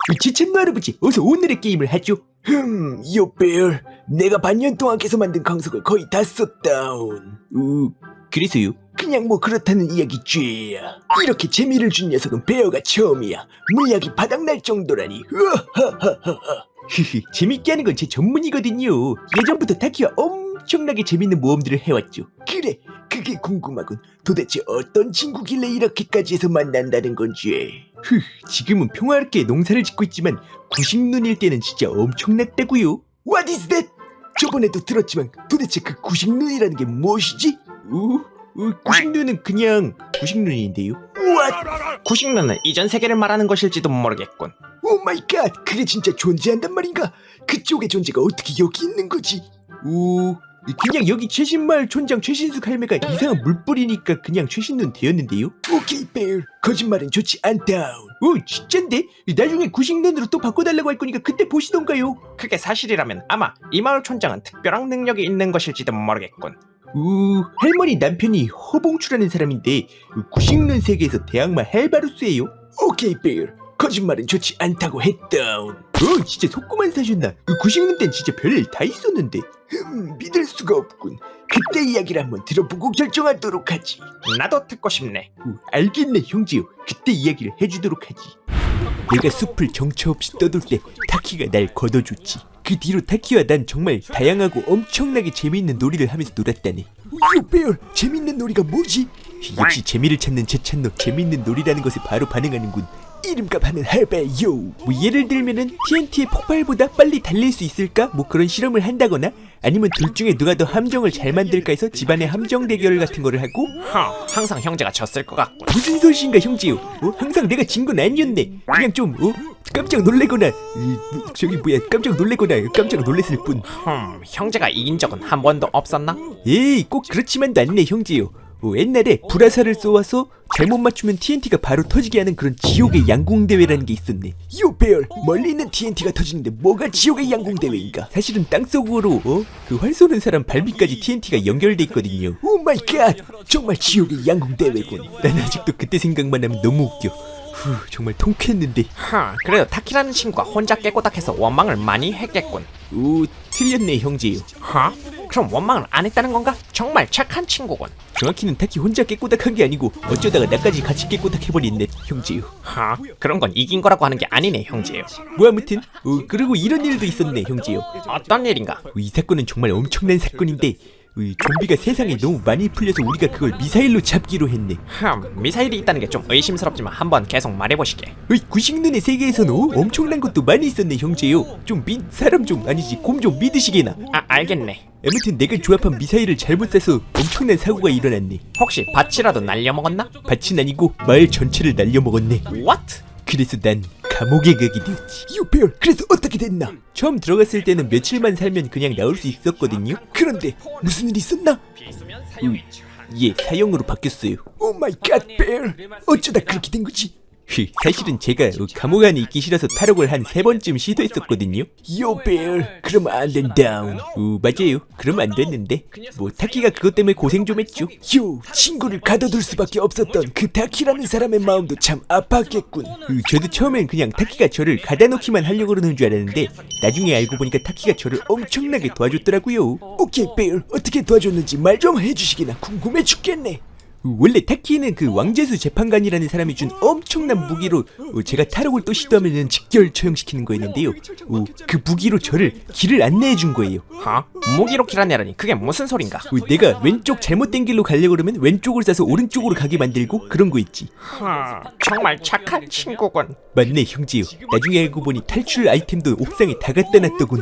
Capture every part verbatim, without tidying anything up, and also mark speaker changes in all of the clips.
Speaker 1: 지천노 할아버지, 어서 오늘의 게임을 하죠. 흠, 요배열, 내가 반년 동안 계속 만든 강석을 거의 다 썼다운. 우, 그래서요? 그냥 뭐 그렇다는 이야기죄야. 이렇게 재미를 준 녀석은 베어가 처음이야. 물약이 바닥날 정도라니. 으하하하하. 재밌게 하는 건 제 전문이거든요. 예전부터 타키와 엄청나게 재밌는 모험들을 해왔죠. 그래, 그게 궁금하군. 도대체 어떤 친구길래 이렇게까지 해서 만난다는 건지. 흐, 지금은 평화롭게 농사를 짓고 있지만 구식눈일 때는 진짜 엄청났다고요. What is that? 저번에도 들었지만 도대체 그 구식눈이라는 게 무엇이지? 우, 우 구식눈은 그냥 구식눈인데요. What?
Speaker 2: 구식눈은 이전 세계를 말하는 것일지도 모르겠군.
Speaker 1: 오 마이 갓, 그게 진짜 존재한단 말인가? 그쪽의 존재가 어떻게 여기 있는 거지? 오, 그냥 여기 최신마을 촌장 최신숙 할매가 이상한 물 뿌리니까 그냥 최신눈 되었는데요. 오케이 베일, 거짓말은 좋지 않다. 오, 진짠데? 나중에 구식눈으로 또 바꿔달라고 할 거니까 그때 보시던가요.
Speaker 2: 그게 사실이라면 아마 이 마을 촌장은 특별한 능력이 있는 것일지도 모르겠군.
Speaker 1: 우, 할머니 남편이 허봉추라는 사람인데 구식눈 세계에서 대항마 헬바루스예요. 오케이 베일, 거짓말은 좋지 않다고 했다. 어, 진짜 속고만 사셨나? 구식눈 땐 진짜 별일 다 있었는데. 흠, 믿을 수가 없군. 그때 이야기를 한번 들어보고 결정하도록 하지.
Speaker 2: 나도 듣고 싶네.
Speaker 1: 어, 알겠네 형제요. 그때 이야기를 해주도록 하지. 내가 숲을 정처 없이 떠돌 때 타키가 날 걷어줬지. 그 뒤로 타키와 난 정말 다양하고 엄청나게 재미있는 놀이를 하면서 놀았다네. 요배열, 재밌는 놀이가 뭐지? 역시 재미를 찾는 제 찬노, 재밌는 놀이라는 것에 바로 반응하는군. 이름값 하는 할배요. 뭐 예를 들면은 티엔티의 폭발보다 빨리 달릴 수 있을까? 뭐 그런 실험을 한다거나, 아니면 둘 중에 누가 더 함정을 잘 만들까 해서 집안의 함정 대결 같은 거를 하고.
Speaker 2: 허, 항상 형제가 졌을 것 같군.
Speaker 1: 무슨 소리인가 형제요? 어? 항상 내가 진 건 아니었네. 그냥 좀 어? 깜짝 놀래거나 이, 저기 뭐야 깜짝 놀래거나 깜짝 놀랬을 뿐.
Speaker 2: 흠, 형제가 이긴 적은 한 번도 없었나?
Speaker 1: 에이, 꼭 그렇지만도 않네 형제요. 어, 옛날에 불화살을 쏘아서 잘못 맞추면 티엔티가 바로 터지게 하는 그런 지옥의 양궁대회라는 게 있었네. 요배열, 멀리 있는 티엔티가 터지는데 뭐가 지옥의 양궁대회인가? 사실은 땅속으로 어? 그 활 쏘는 사람 발밑까지 티엔티가 연결돼 있거든요. 오 마이 갓, 정말 지옥의 양궁대회군. 난 아직도 그때 생각만 하면 너무 웃겨. 후, 정말 통쾌했는데.
Speaker 2: 하, 그래도 타키라는 친구가 혼자 깨꼬닥해서 원망을 많이 했겠군.
Speaker 1: 오, 틀렸네 형제요.
Speaker 2: 하? 그럼 원망을 안 했다는 건가? 정말 착한 친구군.
Speaker 1: 정확히는 타키 혼자 깨꼬닥한 게 아니고 어쩌다가 나까지 같이 깨꼬닥해버렸네 형제요.
Speaker 2: 하? 그런 건 이긴 거라고 하는 게 아니네 형제요.
Speaker 1: 뭐 아무튼 어, 그리고 이런 일도 있었네 형제요.
Speaker 2: 어떤 일인가?
Speaker 1: 어, 이 사건은 정말 엄청난 사건인데 어, 좀비가 세상에 너무 많이 풀려서 우리가 그걸 미사일로 잡기로 했네.
Speaker 2: 흠, 미사일이 있다는 게 좀 의심스럽지만 한번 계속 말해보시게.
Speaker 1: 어이, 구식눈의 세계에서는 어, 엄청난 것도 많이 있었네 형제요. 좀 믿, 사람 좀 아니지 곰 좀 믿으시게나.
Speaker 2: 아, 알겠네.
Speaker 1: 아무튼 내가 조합한 미사일을 잘못 쏴서 엄청난 사고가 일어났네.
Speaker 2: 혹시 밭이라도 날려먹었나?
Speaker 1: 밭은 아니고 마을 전체를 날려먹었네.
Speaker 2: What?
Speaker 1: 그래서 난 감옥에 가게 되었지. 요배열, 그래서 어떻게 됐나? 처음 들어갔을 때는 며칠만 살면 그냥 나올 수 있었거든요. 그런데 무슨 일이 있었나? 음, 예, 사형으로 바뀌었어요. 오 마이 갓, 배열, 어쩌다 그렇게 된 거지? 사실은 제가 감옥 안에 있기 싫어서 탈옥을 한 세 번쯤 시도했었거든요. 요배열, 그러면 안 된다. 어, 맞아요. 그러면 안 됐는데 뭐 타키가 그것 때문에 고생 좀 했죠. 요, 친구를 가둬둘 수밖에 없었던 그 타키라는 사람의 마음도 참 아팠겠군. 어, 저도 처음엔 그냥 타키가 저를 가다놓기만 하려고 그러는 줄 알았는데 나중에 알고 보니까 타키가 저를 엄청나게 도와줬더라고요. 오케이 배열, 어떻게 도와줬는지 말 좀 해주시기나 궁금해 죽겠네. 원래 타키는 그 왕재수 재판관이라는 사람이 준 엄청난 무기로 어, 제가 탈옥을 또 시도하면 직결 처형시키는 거였는데요. 어, 그 무기로 저를 길을 안내해 준 거예요.
Speaker 2: 하? 무기로 길안내라니 그게 무슨 소린가?
Speaker 1: 어, 내가 왼쪽 잘못된 길로 가려고 그러면 왼쪽을 싸서 오른쪽으로 가게 만들고 그런 거 있지.
Speaker 2: 하, 정말 착한 친구군.
Speaker 1: 맞네 형제요. 나중에 알고 보니 탈출 아이템도 옥상에 다 갖다 놨더군.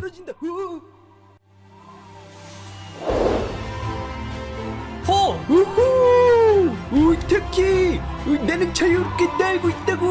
Speaker 1: 우후! 오, 타키! 어, 나는 자유롭게 날고 있다고!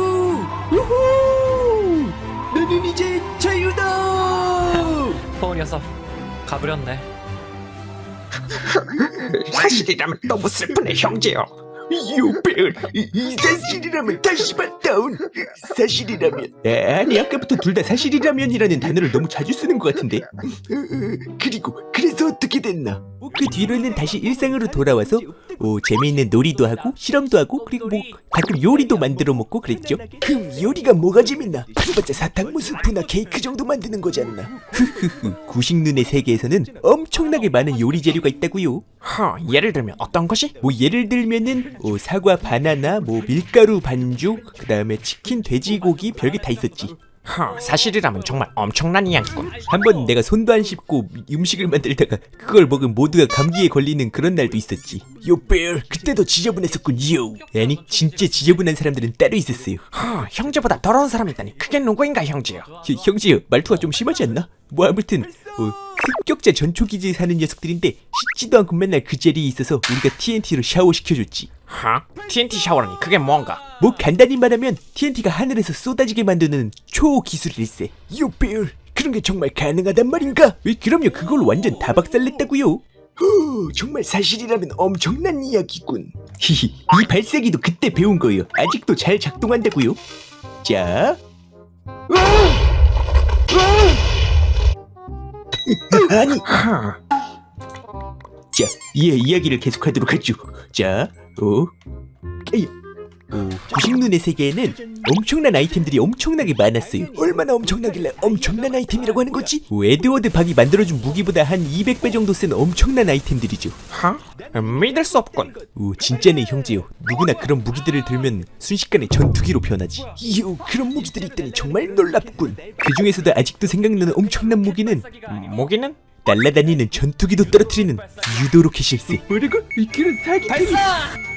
Speaker 1: 우후! 나는 이제 자유다!
Speaker 3: 포 녀석 가버렸네.
Speaker 2: 사실이라면 너무 슬프네 형제요.
Speaker 1: 요배열, 이, 이 사실이라면 다시 봤다운. 사실이라면. 아니 아까부터 둘 다 사실이라면이라는 단어를 너무 자주 쓰는 것 같은데. 그리고 그래서 어떻게 됐나? 어, 그 뒤로는 다시 일상으로 돌아와서 어, 재미있는 놀이도 하고 실험도 하고 그리고 뭐 가끔 요리도 만들어 먹고 그랬죠. 그럼 요리가 뭐가 재밌나? 그래봤자 사탕무 스프나 케이크 정도 만드는 거잖아. 흐흐흐. 구식눈의 세계에서는 엄청나게 많은 요리 재료가 있다고요.
Speaker 2: 허, 예를 들면 어떤 것이?
Speaker 1: 뭐 예를 들면은 어, 사과 바나나 뭐 밀가루 반죽 그 다음에 치킨 돼지고기 별게 다 있었지.
Speaker 2: 허, 사실이라면 정말 엄청난 이야기군.
Speaker 1: 한번 내가 손도 안 씻고 음식을 만들다가 그걸 먹은 모두가 감기에 걸리는 그런 날도 있었지. 요배열 그때도 지저분했었군요. 아니 진짜 지저분한 사람들은 따로 있었어요.
Speaker 2: 허, 형제보다 더러운 사람이 있다니 그게 누구인가 형제요?
Speaker 1: 혀, 형제요 말투가 좀 심하지 않나? 뭐 아무튼 어, 습격자 전초기지에 사는 녀석들인데 씻지도 않고 맨날 그 자리에 있어서 우리가 티엔티로 샤워시켜줬지.
Speaker 2: 하? 티엔티 샤워라니 그게 뭔가?
Speaker 1: 뭐 간단히 말하면 티엔티가 하늘에서 쏟아지게 만드는 초기술일세. 요배열 그런 게 정말 가능하단 말인가? 에, 그럼요 그걸로 완전 다 박살냈다고요. 후 정말 사실이라면 엄청난 이야기군. 히히 이 발사기도 그때 배운 거예요. 아직도 잘 작동한다고요. 자 아니
Speaker 2: 허,
Speaker 1: 자, 이 이야기를 계속하도록 하죠. 자, 어, 에이, 어, 구식눈의 세계에는 엄청난 아이템들이 엄청나게 많았어요. 얼마나 엄청나길래 엄청난 아이템이라고 하는 거지? 어, 에드워드 박이 만들어준 무기보다 한 이백 배 정도 센 엄청난 아이템들이죠.
Speaker 2: 허? 믿을 수 없군.
Speaker 1: 오, 진짜네 형제요. 누구나 그런 무기들을 들면 순식간에 전투기로 변하지. 이요, 그런 무기들이 있다니 정말 놀랍군. 그 중에서도 아직도 생각나는 엄청난 무기는
Speaker 2: 모기는?
Speaker 1: 날아다니는 전투기도 떨어뜨리는 유도 로켓 실세. 뭐라고? 그런 사기 발사!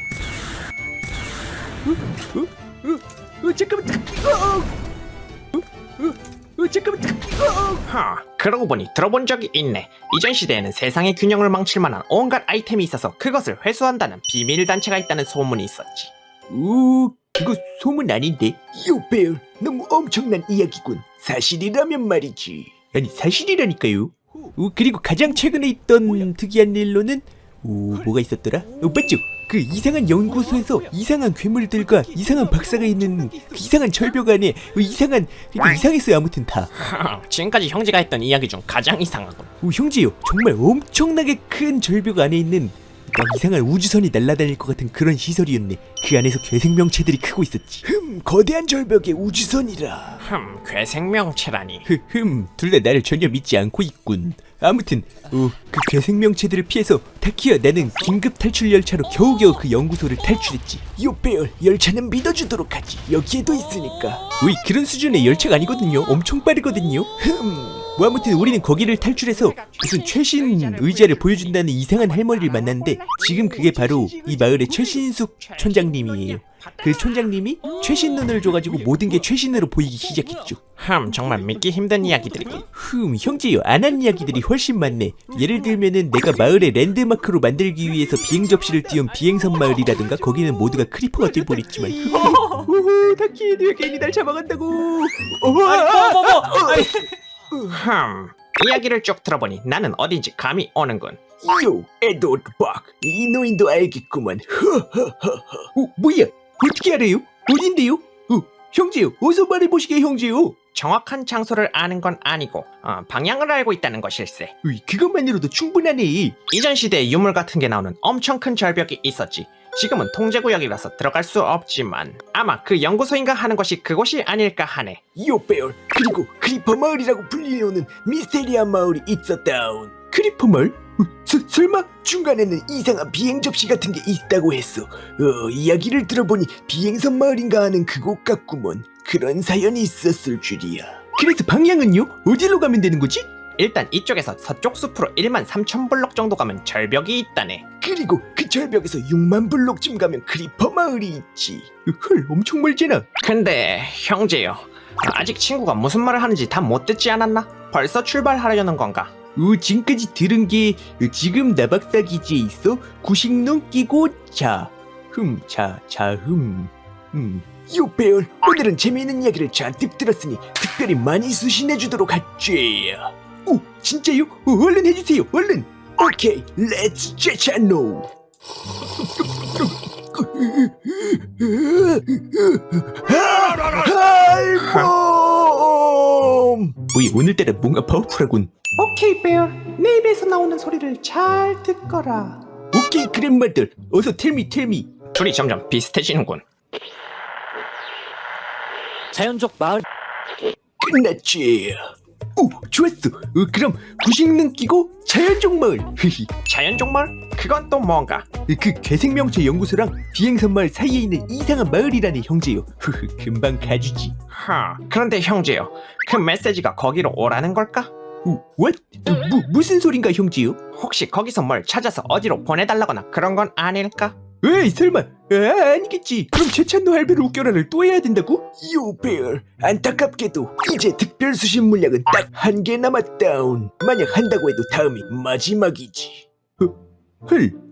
Speaker 1: 어? 어? 어? 어? 잠깐만. 어? 어? 어? 어? 잠깐만. 어?
Speaker 2: 하, 그러고 보니 들어본 적이 있네. 이전 시대에는 세상의 균형을 망칠 만한 온갖 아이템이 있어서 그것을 회수한다는 비밀 단체가 있다는 소문이 있었지.
Speaker 1: 오, 그거 소문 아닌데? 요배열, 너무 엄청난 이야기군. 사실이라면 말이지. 아니 사실이라니까요. 오, 그리고 가장 최근에 있던 특이한 일로는 오, 뭐가 있었더라? 어, 맞죠? 그 이상한 연구소에서 이상한 괴물들과 이상한 박사가 있는 그 이상한 절벽 안에 어, 이상한 그러니까 이상했어요 아무튼 다.
Speaker 2: 하, 지금까지 형제가 했던 이야기 중 가장 이상하군.
Speaker 1: 오, 형제요 정말 엄청나게 큰 절벽 안에 있는 막 이상한 우주선이 날아다닐 것 같은 그런 시설이었네. 그 안에서 괴생명체들이 크고 있었지. 흠 거대한 절벽의 우주선이라.
Speaker 2: 흠, 괴생명체라니.
Speaker 1: 흠 둘 다 나를 전혀 믿지 않고 있군. 아무튼 어, 그 괴생명체들을 피해서 타키야 나는 긴급 탈출 열차로 겨우겨우 그 연구소를 탈출했지. 요배열 열차는 믿어주도록 하지. 여기에도 있으니까. 우리 그런 수준의 열차가 아니거든요. 엄청 빠르거든요. 흠 뭐 아무튼 우리는 거기를 탈출해서 무슨 최신 의자를 보여준다는 이상한 할머니를 만났는데 지금 그게 바로 이 마을의 최신숙 촌장님이에요. 그 촌장님이 최신 눈을 줘가지고 모든 게 최신으로 보이기 시작했죠.
Speaker 2: 흠, 정말 믿기 힘든 이야기들이군.
Speaker 1: 흠 형제요 안 한 이야기들이 훨씬 많네. 예를 들면은 내가 마을의 랜드마크로 만들기 위해서 비행 접시를 띄운 비행선 마을이라든가 거기는 모두가 크리퍼가 돼버렸지만 오호 타키의 뒤에 괜히 날 잡아간다고.
Speaker 2: 흠, 이야기를 쭉 들어보니 나는 어딘지 감이 오는군.
Speaker 1: 요 에드워드 박 이 노인도 알겠구만. 어, 뭐야 어떻게 알아요? 어딘데요? 어, 형제요 어서 말해보시게 형제요.
Speaker 2: 정확한 장소를 아는 건 아니고 어, 방향을 알고 있다는 것일세.
Speaker 1: 으이, 그것만으로도 충분하네.
Speaker 2: 이전 시대에 유물 같은 게 나오는 엄청 큰 절벽이 있었지. 지금은 통제구역이라서 들어갈 수 없지만 아마 그 연구소인가 하는 것이 그곳이 아닐까 하네.
Speaker 1: 요배열 그리고 크리퍼 마을이라고 불리는 미스테리한 마을이 있었다운. 크리퍼 마을? 어, 서, 설마 중간에는 이상한 비행 접시 같은 게 있다고 했어. 어, 이야기를 들어보니 비행선 마을인가 하는 그곳 같구먼. 그런 사연이 있었을 줄이야. 그래서 방향은요? 어디로 가면 되는 거지?
Speaker 2: 일단 이쪽에서 서쪽 숲으로 일만 삼천 블록 정도 가면 절벽이 있다네.
Speaker 1: 그리고 그 절벽에서 육만 블록쯤 가면 크리퍼 마을이 있지. 헐 엄청 멀잖아.
Speaker 2: 근데 형제요, 아직 친구가 무슨 말을 하는지 다 못 듣지 않았나? 벌써 출발하려는 건가?
Speaker 1: 어, 지금까지 들은 게 지금 나박사 기지에 있어 구식눈 끼고 자 흠 자 자 흠 음. 요배열 오늘은 재미있는 이야기를 잔뜩 들었으니 특별히 많이 수신해주도록 하지. 오 진짜요? 어, 얼른 해주세요 얼른. 오케이 렛츠 제차노. 할멈! 뭐야 오늘따라 뭔가 파워풀하군.
Speaker 2: 오케이 베어, 내 입에서 나오는 소리를 잘 듣거라.
Speaker 1: 오케이 그랜마들 어서 텔미 텔미.
Speaker 2: 둘이 점점 비슷해지는군.
Speaker 3: 자연족 마을
Speaker 1: 끝났지. 오 좋았어. 어, 그럼 구식능 끼고 자연종 마을. 흐히.
Speaker 2: 자연족 마을? 그건 또 뭔가?
Speaker 1: 그 괴생명체 연구소랑 비행선 마을 사이에 있는 이상한 마을이라네 형제요. 흐흐 금방 가주지.
Speaker 2: 하, 그런데 형제요, 그 메시지가 거기로 오라는 걸까?
Speaker 1: 오, what? 어, 무, 무슨 소린가 형제요?
Speaker 2: 혹시 거기서 뭘 찾아서 어디로 보내달라거나 그런 건 아닐까?
Speaker 1: 에이 설마 아, 아니겠지. 그럼 최찬노 할배를 웃겨라를 또 해야 된다고? 요벨 안타깝게도 이제 특별 수신 물량은 딱 한 개 남았다운. 만약 한다고 해도 다음이 마지막이지. 어, 헐